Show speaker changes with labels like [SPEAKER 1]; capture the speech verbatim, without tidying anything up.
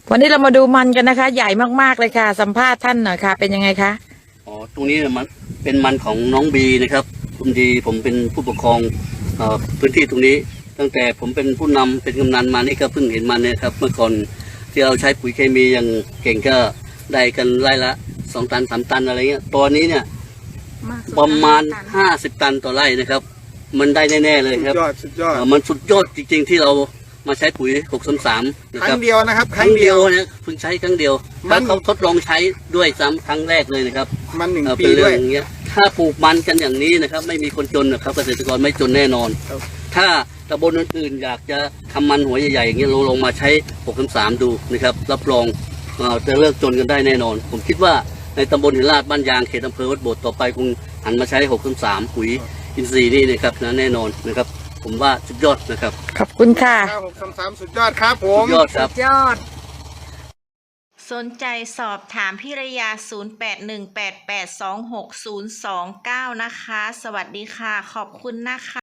[SPEAKER 1] วันนี้เรามาดูมันกันนะคะใหญ่มากๆเลยค่ะสัมภาษณ์ท่านหน่อยค่ะเป็นยังไงคะ
[SPEAKER 2] อ๋อตรงนี้มันเป็นมันของน้องบีนะครับคุณดีผมเป็นผู้ปกครองเอ่อพื้นที่ตรงนี้ตั้งแต่ผมเป็นผู้นำเป็นกำนันมานี่ก็เพิ่งเห็นมันเนี่ยครับเมื่อก่อนที่เราใช้ปุ๋ยเคมีอย่างเก่งก็ได้กันไร่ละสองตันสามตันอะไรเงี้ยตัวนี้เนี่ยประมาณห้าสิบตันต่อไร่นะครับมันได้แน่ๆเลยครับ
[SPEAKER 3] สุดยอดสุดยอด
[SPEAKER 2] เอ่อมันสุดยอดจริงๆที่เรามาใช้ปุ๋ยหกสามสามนะ
[SPEAKER 3] ค
[SPEAKER 2] ค
[SPEAKER 3] รั้
[SPEAKER 2] รั
[SPEAKER 3] ง
[SPEAKER 2] บ
[SPEAKER 3] เดียวนะครับ
[SPEAKER 2] ครั้งเดียวเนี่ยเพิ่งใช้ครั้งเดียว
[SPEAKER 3] มั
[SPEAKER 2] แล้ว
[SPEAKER 3] น
[SPEAKER 2] เขาทดลองใช้ด้วยซ้ำครั้งแรกเลยนะครับ
[SPEAKER 3] มันหนึ่ง
[SPEAKER 2] เอ่อ
[SPEAKER 3] ปี
[SPEAKER 2] เป็นเรื่
[SPEAKER 3] ด้
[SPEAKER 2] อ
[SPEAKER 3] วย
[SPEAKER 2] งอย่างเงี้ยถ้าปลูกมันกันอย่างนี้นะครับไม่มีคนจนนะครับเกษตรกรไม่จนแน่นอน
[SPEAKER 3] ครับ
[SPEAKER 2] ถ้าตำบลอื่นๆอยากจะทำมันหัวใหญ่ๆอย่างเงี้ยเราลงมาใช้หกสามดูนะครับรับรองเอ่อจะเลิกจนกันได้แน่นอน ผมคิดว่าในตำบลหินลาดบ้านยางเขตอำเภอวัดโบสถ์ต่อไปคงหันมาใช้หกสามปุ๋ยอินทรีย์นี่นะครับนะแน่นอนนะครับผมว่าสุดยอดนะครับ
[SPEAKER 1] ขอบคุณค่ะ
[SPEAKER 3] เก้าหกสามสามสุดยอดครับผ
[SPEAKER 2] สุ
[SPEAKER 3] ม
[SPEAKER 2] ดยอดครับ
[SPEAKER 1] ยอด
[SPEAKER 4] สนใจสอบถามพิรยา ศูนย์ แปด หนึ่ง แปด แปด สอง หก ศูนย์ สอง เก้า นะคะ สวัสดีค่ะ ขอบคุณนะคะ